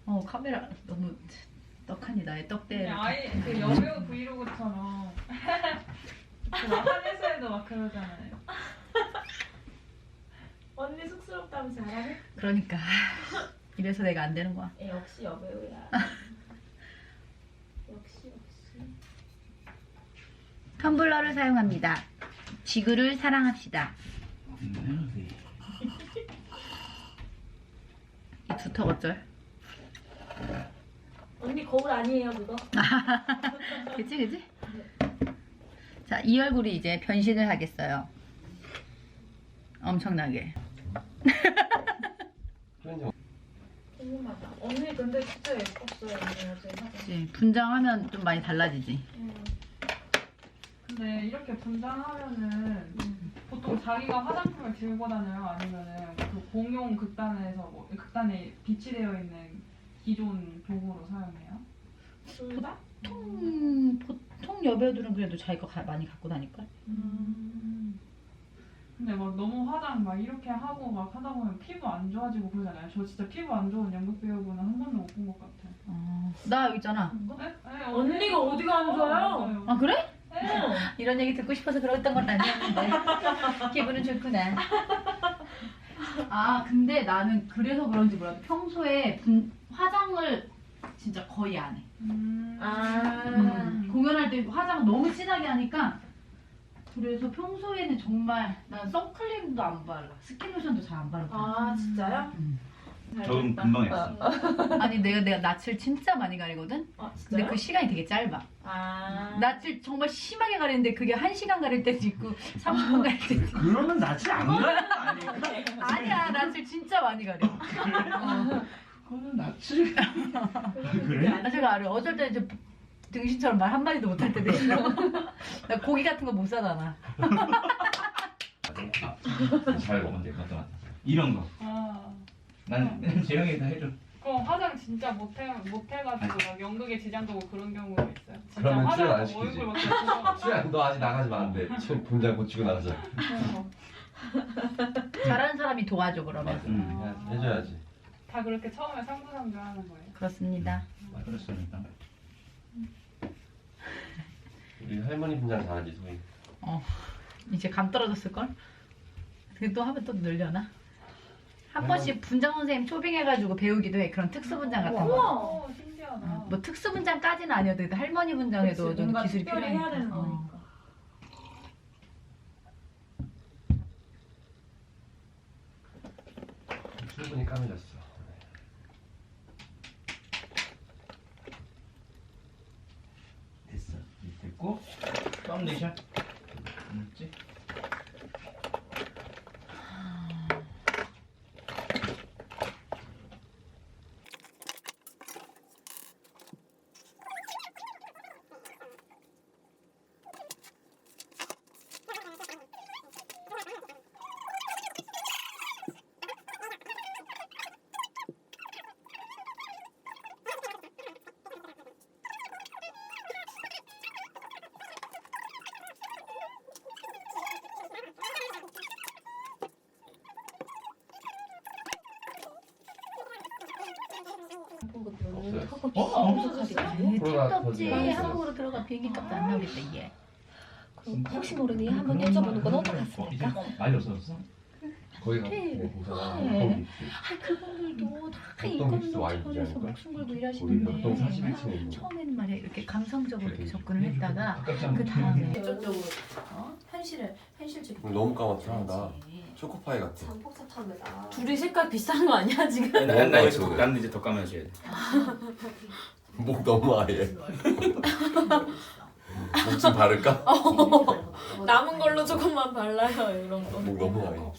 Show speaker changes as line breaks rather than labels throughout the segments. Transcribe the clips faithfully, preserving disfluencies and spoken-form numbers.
어 카메라 너무 떡하니 나의 떡대.
아예 그 여배우 브이로그처럼 한에서에도 막 그러잖아요.
언니 쑥스럽다면 잘하네?
그러니까 이래서 내가 안 되는 거야.
에, 역시 여배우야. 역시 역시.
텀블러를 사용합니다. 지구를 사랑합시다. 이 두턱 어쩔?
언니 거울 아니에요 그거?
그치 그치? 자, 이 얼굴이 이제 변신을 하겠어요. 엄청나게.
궁금하다. 언니 근데 진짜 예뻤어요 언니 어제 사진.
그치? 분장하면 좀 많이 달라지지.
음.
근데 이렇게 분장하면은 보통 자기가 화장품을 들고 다녀요? 아니면은 그 공용 극단에서 뭐 극단에 비치되어 있는 기존 도구로 사용해요?
둘 다?
보통 보통 여배우들은 그래도 자기가 가, 많이 갖고 다닐걸?
음. 근데 막 너무 화장 막 이렇게 하고 막 하다 보면 피부 안 좋아지고 그러잖아요. 저 진짜 피부 안 좋은 연극 배우분은 한 번도 못 본 것 같아요.
어, 나 여기 있잖아.
네? 네,
언니가 어디가 안 좋아요?
맞아요.
아 그래?
네.
이런 얘기 듣고 싶어서 그랬던 건 아니었는데 기분은 좋구나. 아 근데 나는 그래서 그런지 몰라도 평소에 분, 화장을 진짜 거의 안 해.
음.
아.
음, 공연할 때 화장 너무 진하게 하니까 그래서 평소에는 정말 난 선크림도 안 발라. 스킨로션도 잘 안 바르고.
아 진짜요?
음.
적응 금방 했어.
아니 내가 내가 낯을 진짜 많이 가리거든.
아
근데
진짜요?
그 시간이 되게 짧아.
아.
낯을 정말 심하게 가리는데 그게 한 시간 가릴 때도 있고 삼십 분 가릴 때도 있고.
그러면 낯을 안 가리는 거 아니야?
아니야 낯을 진짜 많이 가려. 어.
그거는 낯을 그래?
나 제가 알아. 어쩔 때 이제 등신처럼 말 한마디도 못할 때도 있어. 나 고기 같은 거 못 사잖아.
잘 먹으면 돼. 맞다 맞다. 이런 거.
아.
난 재영이 다 해줘.
그 화장 진짜 못해 못해가지고 막 연극에 지장도고 그런 경우가 있어요. 진짜
그러면 출연 안
화장
시키지.
얼굴 막 들어가.
수야 너 아직 나가지 마 안돼. 지금 분장 고치고 나가자.
잘하는 사람이 도와줘 그러면.
응.
해- 해줘야지.
다 그렇게 처음에 상부상조 하는 거예요.
그렇습니다.
아, 그랬으니까.
우리 할머니 분장 잘하지 소희.
어 이제 감 떨어졌을 걸. 근데 또 하면 또 늘려나? 한 번씩 분장 선생님 초빙해가지고 배우기도 해. 그런 특수 분장 같은 거.
우와.
오 신기하다.
어, 뭐 특수 분장까지는 아니어도 일단 할머니 분장에도
그치,
좀
뭔가
기술이
특별히
필요하니까.
해야 되는
어.
거니까.
충분히 까매졌어.
됐어. 됐고. 파운데이션. 있지?
없어요.
어?
네,
코로나
택도 없지.
터지고
한국으로 들어가 비행기 값도 안 나오겠다 이게.
그럼 혹시 모르니 한번 여쭤보는 건 어떠겠습니까?
많이 없어졌어?
거기 가.
네.
네, 보잖아.
네. 아 그분들도 다
어떤
인건비
기수 와인
차려서
디자인일까?
목숨 걸고
거기
일하시는데
몇동 사십일 층에 있는 거.
처음에는 말이야 이렇게 감성적으로 이렇게 접근을 했다가
가깝지
그 다음에
직접적으로 어? 현실을 현실적으로.
너무 까맣다. 나 초코파이 같아.
장폭사탕이다.
둘이 색깔 비슷한 거 아니야 지금?
너무
난, 난, 이제
까맣지,
더,
오늘.
나는 이제 더 까매져야 돼.
목 너무 아예. 목 좀 바를까?
남은 걸로 조금만 발라요 이런 거.
목 너무 아예.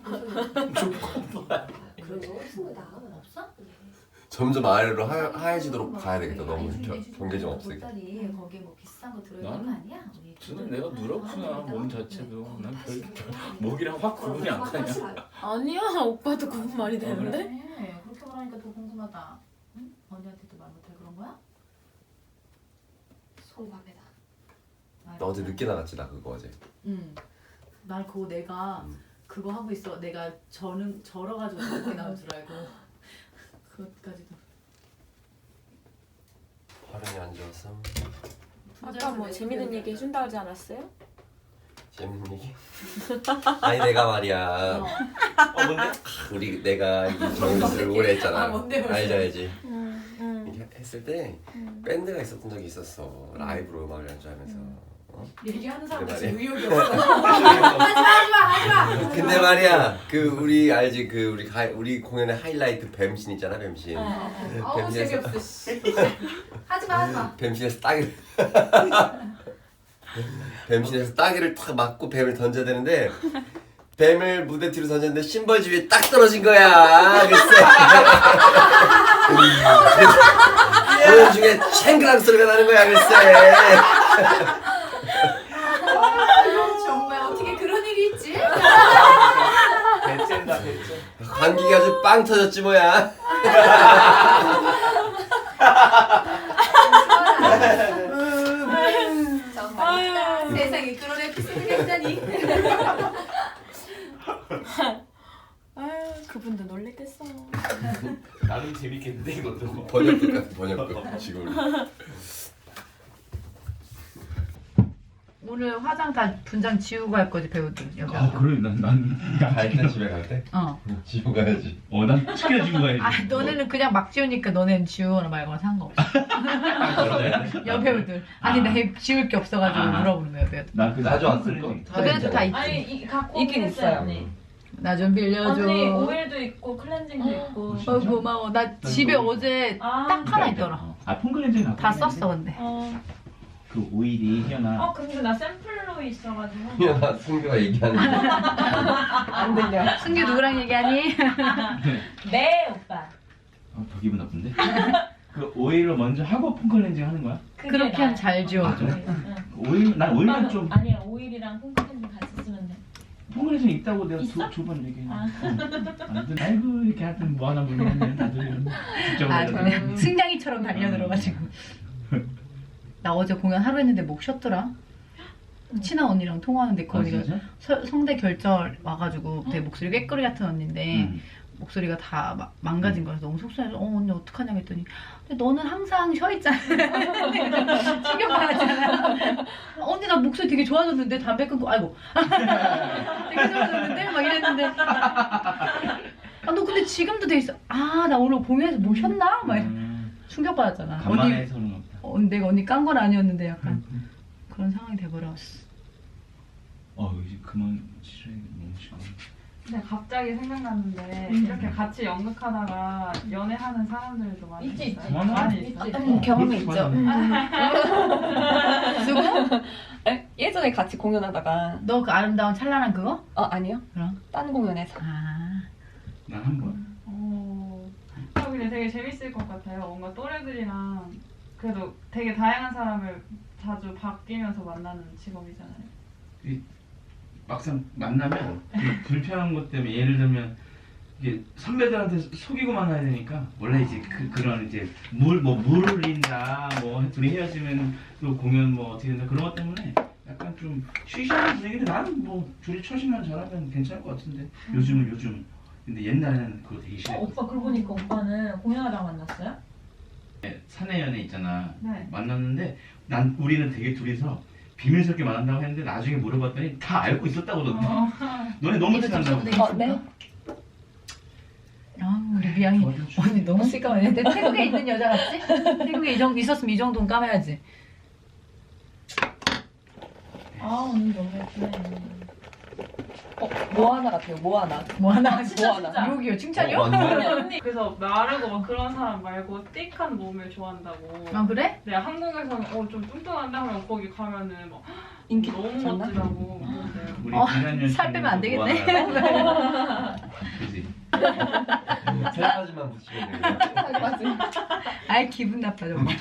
그리고 있습니다.
없어?
점점 아래로 하, 하얘지도록 가야 되겠다. 너무 겨, 경계 좀 없으니까.
보따리 거기에 뭐 비싼 거 들어있는
나는
거 아니야? 우리
저는 내가 누렇구나 몸 자체도 난 별, 별 목이랑 확 구분이 안 가냐.
아니야 오빠도 구분 말이 되는데?
네, 그렇게 말하니까 더 궁금하다. 응? 언니한테도 말 못해 그런 거야?
송밤에다.
나 어제 늦게 나갔지 나 그거 어제.
응. 난 그거 내가
음.
그거 하고 있어. 내가 저는 절어가지고 그렇게 나올 줄 알고 그것까지도.
와서
아까 뭐 재밌는 얘기 해준다 하지 않았어요?
재밌는 얘기? 아니 내가 말이야.
어 뭔데?
우리 내가 이 정규를 오래 했잖아.
아, 뭔데, 뭔데?
알지 알지.
응, 응.
이렇게 했을 때
응.
밴드가 있었던 적이 있었어. 라이브로 음악을 연주하면서. 어?
얘기하는 사람
그래
같이
말이야.
의욕이 없어.
근데 말이야 그 우리 알지 그 우리 가, 우리 공연의 하이라이트 뱀신 있잖아 뱀신.
아우
뱀신에서-
재미없어. 씨. 하지마 하지마.
뱀신에서 따기를 뱀신에서 따기를 탁 맞고 뱀을 던져야 되는데 뱀을 무대 뒤로 던졌는데 심벌지 위에 딱 떨어진 거야. 글쎄. 공연 중에 챙그랑 소리가 나는 거야 글쎄.
정말 어떻게 그런 일이 있지?
배째다 배째.
관객이 아주 빵 터졌지 뭐야.
정말 세상에 그런 에피소드가 있다니.
아유 그분도 놀랬겠어.
나름 재밌겠는데 이것도.
번역극 같은 번역극 지금.
오늘 화장 다 분장 지우고 갈 거지 배우들 여기.
아 그래 난난
갈때 집에 갈 때?
어.
지고 가야지.
어난 지켜주고 가야지.
아 너네는 그냥 막 지우니까 너네는 지우거나 말거나 상관없어. 여배우들. 아니
아.
나 지울 게 없어가지고
아.
물어보는 거야 여배우들.
나그
자주 안 쓸 거.
그래도 다 있지.
아니 이 갖고
있긴
있어요
있어요.
언니.
나 좀 빌려줘.
언니 오일도 있고 클렌징도 있고.
어 고마워. 나 집에
이거-
어제
아.
딱 하나 있더라.
아 폰클렌징
다 썼어 근데.
어.
그 오일이 희연아.
어 근데 나 샘플로 있어가지고.
희연아 승규가 얘기하는 게
안 들려.
승규 누구랑 얘기하니?
네 오빠.
어, 더 기분 나쁜데? 그 오일을 먼저 하고 폰클렌징 하는 거야?
그게
그렇게 하면
나아.
잘 지워.
아, 그래?
응.
오일 난 오일은
오빠는
좀
아니야 오일이랑 콩크렌징 같이 쓰면 돼.
폰클렌징 있다고 내가
있어?
두 번 얘기했는데.
아.
안 돼. 아이고 이렇게 하여튼 뭐 하나 모르겠네 다들. 직접
아
해가지고.
그래. 승냥이처럼 달려들어가지고. 나 어제 공연 하루 했는데 목 쉬었더라. 친한 언니랑 통화하는데 그
아,
언니가
진짜?
서- 성대 결절 와가지고 되게 목소리 꾀꼬리 같은 언니인데
응.
목소리가 다 마- 망가진 거라서 너무 속상해서 어 언니 어떡하냐고 했더니 근데 너는 항상 쉬어 있잖아. 신경 받았잖아. 언니 나 목소리 되게 좋아졌는데 담배 끊고 아이고 되게 좋아졌는데 막 이랬는데 아 너 근데 지금도 돼 있어. 아 나 오늘 공연에서 뭐 쉬었나? 막
음,
충격받았잖아. 언니
간만에 해서 그런 거 보다.
어, 내가 언니 깐 건 아니었는데 약간 그런 상황이 돼버렸어.
어 이제 그만 치료해 너무 싫어.
근데 갑자기 생각났는데
음.
이렇게 같이 연극하다가 연애하는 사람들도 많이
있지,
있어요.
있지.
많이
있지.
있어.
음, 경험이 있죠.
누구?
에? 예전에 같이 공연하다가
너 그 아름다운 찬란한 그거?
어 아니요.
그럼?
딴 공연에서.
아
난 한 번.
어, 어, 근데 되게 재밌을 것 같아요. 뭔가 또래들이랑 그래도 되게 다양한 사람을 자주 바뀌면서 만나는 직업이잖아요.
막상 만나면 그 불편한 것 때문에 예를 들면 이게 선배들한테 속이고 만나야 되니까 원래 이제 그 그런 이제 물 뭐 물을 흘린다 뭐 둘이 헤어지면 또 공연 뭐 어떻게 된다 그런 것 때문에 약간 좀 쉬쉬하는 분위기인데 나는 뭐 둘이 처신만 잘하면 괜찮을 것 같은데 요즘은 요즘 근데 옛날에는 그거 되게
어,
싫어.
오빠 그러고 보니까 오빠는 공연하다가 만났어요?
사내 연애 있잖아.
네.
만났는데 난 우리는 되게 둘이서 비밀스럽게 만난다고 했는데 나중에 물어봤더니 다 알고 있었다고 너네.
어.
너네 너무
이거 좀
친한다고.
써도
어 네.
아, 우리 미양이
저도 좀-
언니 너무 시까만해. 내 태국에 있는 여자 같지? 태국에 이 정도 있었으면 이 정도는 까매야지.
아 언니 너무 예쁘네.
어, 뭐 하나 같아요. 뭐 하나.
뭐 하나
뭐 하나.
욕이요? 칭찬이요?
어, 맞네.
언니 그래서 마르고 막 그런 사람 말고 띡한 몸을 좋아한다고.
아 그래?
네, 한국에서는 어 좀 뚱뚱한데 하면 거기 가면은 막
인기
너무
좋나?
멋지다고 그러세요.
우리
어,
지난년
살 빼면 안 되겠네.
그지.
살까지만 붙이면 되겠다.
맞아.
아이 기분 나빠 정말.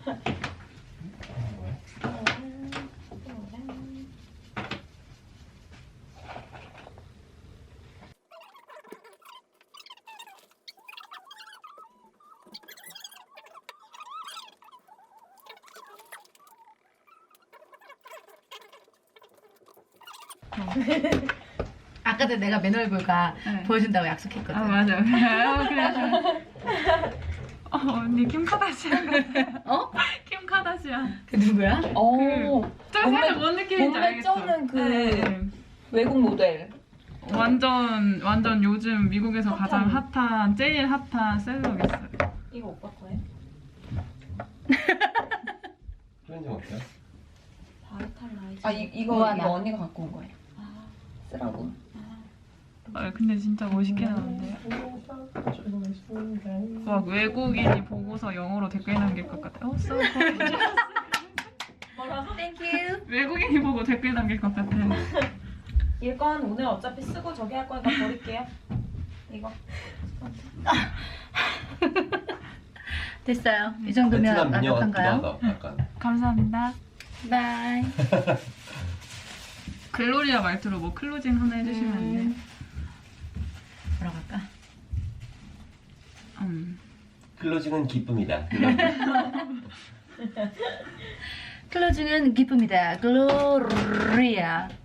아까 전에 내가 맨 얼굴가
네.
보여준다고 약속했거든.
아 맞아. 아, 그래. 어, 언니 킴 카다시안 같아.
어?
킴 카 카다시안.
그 누구야?
어.
저
몸매-
사실 뭔 느낌인지
몸매
알겠어.
쩌는 그
네.
외국 모델.
완전 완전 요즘 미국에서 가장
핫한.
핫한 제일 핫한 셀럽이었어요.
이거 오빠 거예요?
표현 좀 어때요?
바이탈라이즈.
아 이, 이거
우와,
이거
나.
언니가 갖고 온 거예요.
아,
쓰라고.
아, 근데 진짜 멋있게 나왔는데요. 막 외국인이 보고서 영어로 댓글 남길 것 같아. 어, so gorgeous.
뭐라고?
땡큐.
외국인이 보고 댓글 남길 것 같아.
이건 오늘 어차피 쓰고 저기 할 거니까 버릴게요. 이거.
됐어요. 이 정도면
베트남 미녀 같기도
완벽한가요?
하다. 약간.
감사합니다.
바이.
글로리아 말투로 뭐 클로징 하나 해주시면 안 돼요?
뭐라고 할까?
음.
클로징은 기쁨이다.
클로징은 기쁨이다. 글로리아.